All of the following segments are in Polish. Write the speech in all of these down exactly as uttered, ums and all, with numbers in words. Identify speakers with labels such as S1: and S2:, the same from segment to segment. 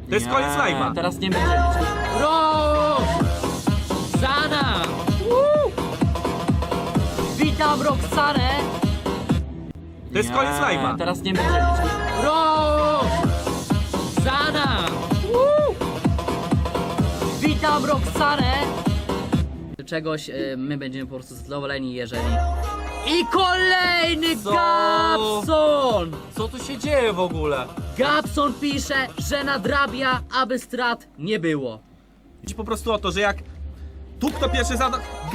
S1: To jest koniec live'a.
S2: Teraz nie będzie liczyć. Rok! Zana! Woo! Witam Roxanę!
S1: To jest koniec live'a.
S2: Teraz nie będzie liczyć. Rok! Zana! Woo! Witam Roxanę! Czegoś y, my będziemy po prostu zadowoleni, jeżeli... I kolejny
S1: Co?
S2: Gabson!
S1: Co tu się dzieje w ogóle?
S2: Gabson pisze, że nadrabia, aby strat nie było.
S1: Chodzi po prostu o to, że jak tu kto pierwszy zada...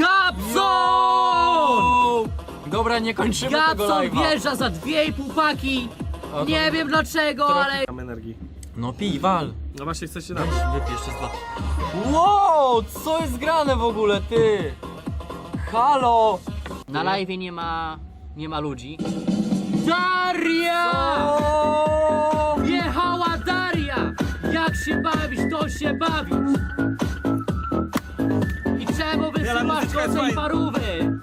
S2: Gabson!
S3: Dobra, nie kończymy tego
S2: Gabson
S3: live'a.
S2: wjeżdża za dwie i pół paki. Nie wiem dlaczego, ale...
S1: Mam energii.
S3: No pij, wal.
S1: No właśnie chcesz się dać.
S3: Wypij jeszcze z dwa. Wow, co jest grane w ogóle, ty? Halo!
S2: Na live nie ma... nie ma ludzi. Daria!
S3: O!
S2: Wjechała Daria! Jak się bawić, to się bawić! I czemu wysyłasz
S1: muzyczka jest
S2: do tej
S1: fajna.
S2: parówy?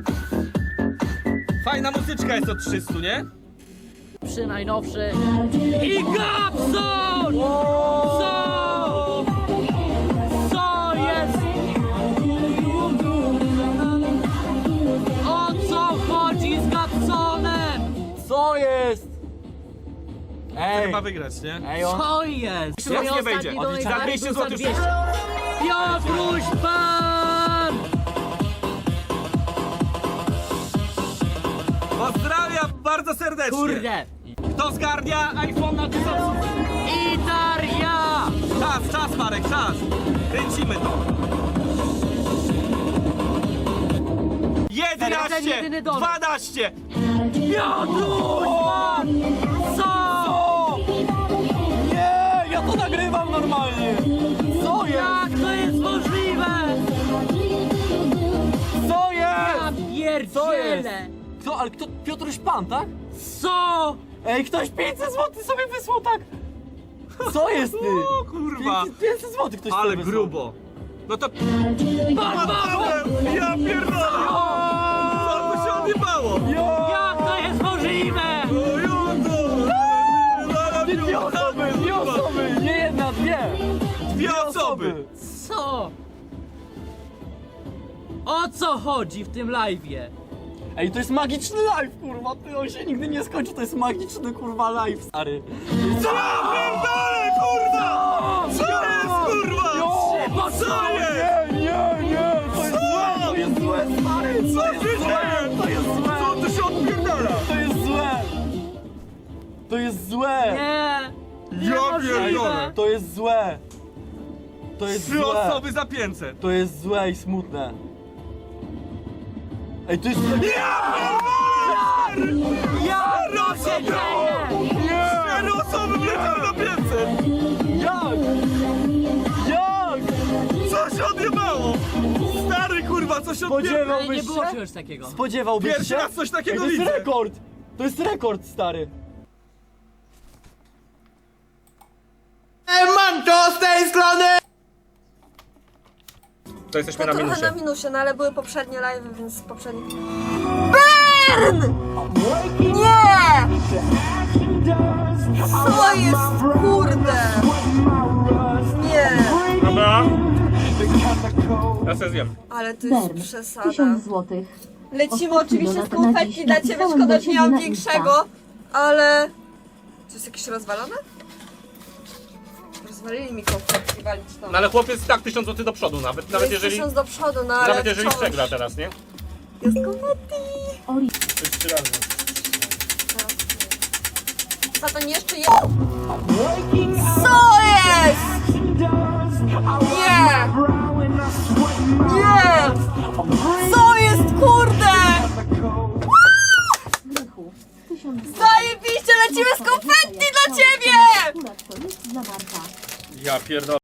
S1: Fajna muzyczka jest od trzystu, nie?
S2: Przy najnowszy... I Gabson! Co? Co jest? O co chodzi z Gabsonem?
S3: Co jest? Ej!
S1: Chyba wygrać, nie?
S3: Ej, on...
S2: Co jest?
S1: Jeszcze raz nie
S2: Mój
S1: wejdzie.
S2: ostatni donate
S1: Za dwieście
S2: był
S1: złotych.
S2: Piotruś Pan!
S1: Pozdrawiam bardzo serdecznie.
S2: Kurde!
S1: Kto zgarnia iPhone na tysiąc?
S2: I Daria!
S1: Czas, czas Marek, czas. Kręcimy to.
S2: Ten
S1: jedenaście,
S2: jedyny donate.
S1: dwanaście.
S2: Piotruś Pan! Co?
S3: Nie, ja to nagrywam normalnie! Co jest?
S2: Jak to jest możliwe?
S3: Co
S2: Ja
S3: jest? Co jest?
S2: pierdzielę!
S3: Kto, ale kto? Piotruś Pan, tak?
S2: Co?
S3: Ej, ktoś pięćset złotych sobie wysłał, tak? Co jest ty?
S1: O kurwa.
S3: pięćset złotych ktoś
S1: Ale
S3: sobie wysłał.
S1: grubo. No to...
S2: Pan Paweł!
S1: Ja pierdolę. Co tu się odjebało?
S2: Jak to jest możliwe?
S1: O Jezu.
S3: Dwie osoby, dwie osoby, nie jedna, dwie!
S1: Dwie osoby.
S2: Co? O co chodzi w tym live'ie?
S3: Ej, to jest magiczny live, kurwa, ty, on się nigdy nie skończy, to jest magiczny, kurwa, live, stary.
S1: Co ja pierdolę, kurwa? Co jest, kurwa? Co jest?
S3: Nie, nie, nie, to jest złe, to jest złe, stary,
S1: Co
S3: to
S1: się
S3: jest złe,
S1: dzieje?
S3: to jest złe,
S1: Co tu się odpierdala?
S3: to jest złe, to jest złe,
S2: Nie!
S1: Ja pierdolę.
S3: to jest złe, to jest
S1: Trzy
S3: złe,
S1: osoby za pięćset.
S3: to jest złe i smutne. Ej, to jest...
S2: Jak to się dzieje?
S1: Cztery osoby wleciały na pięćset.
S3: Jak? Jak?
S1: Co się odjebało? Stary kurwa, co się odjebało?
S2: Ale
S3: Spodziewałbyś
S2: nie było
S3: się?
S2: czegoś takiego.
S3: Spodziewałbyś się?
S1: Pierwszy raz coś takiego
S3: Ej, to jest
S1: widzę.
S3: rekord! To jest rekord, stary!
S1: To jesteśmy
S4: To
S1: na
S4: trochę
S1: minusie.
S4: na minusie, no ale były poprzednie live, więc poprzednie... BURN! Nie! Co jest, kurde? Nie,
S1: Dobra. Ja se zjem.
S4: ale to jest
S5: Berm,
S4: przesada.
S5: tysiąc złotych.
S4: Lecimy
S5: Ostatni
S4: oczywiście z
S5: donat na
S4: konfetti
S5: dziś
S4: dla ciebie,
S5: napisałem
S4: szkoda,
S5: do
S4: że nie
S5: ciebie
S4: mam
S5: na
S4: większego, ale... To jest jakieś rozwalone? Rozwalili mi konfetti, walić to.
S1: No ale chłopiec tak tysiąc złotych do przodu nawet, nawet
S4: Jest
S1: jeżeli,
S4: tysiąc do przodu, no ale
S1: nawet jeżeli
S4: wciąż
S1: przegra teraz, nie?
S4: Jest konfetti!
S5: Ori,
S1: To jest trzy razy.
S4: Za to nie jeszcze jest... Co jest? Nie! Nie! Co jest, kurde?
S5: Rychu, tysiąc złotych.
S4: Zajebiście, lecimy z konfetti dla ciebie!
S5: Akurat to jest zawarta.
S1: Ja pierdolę.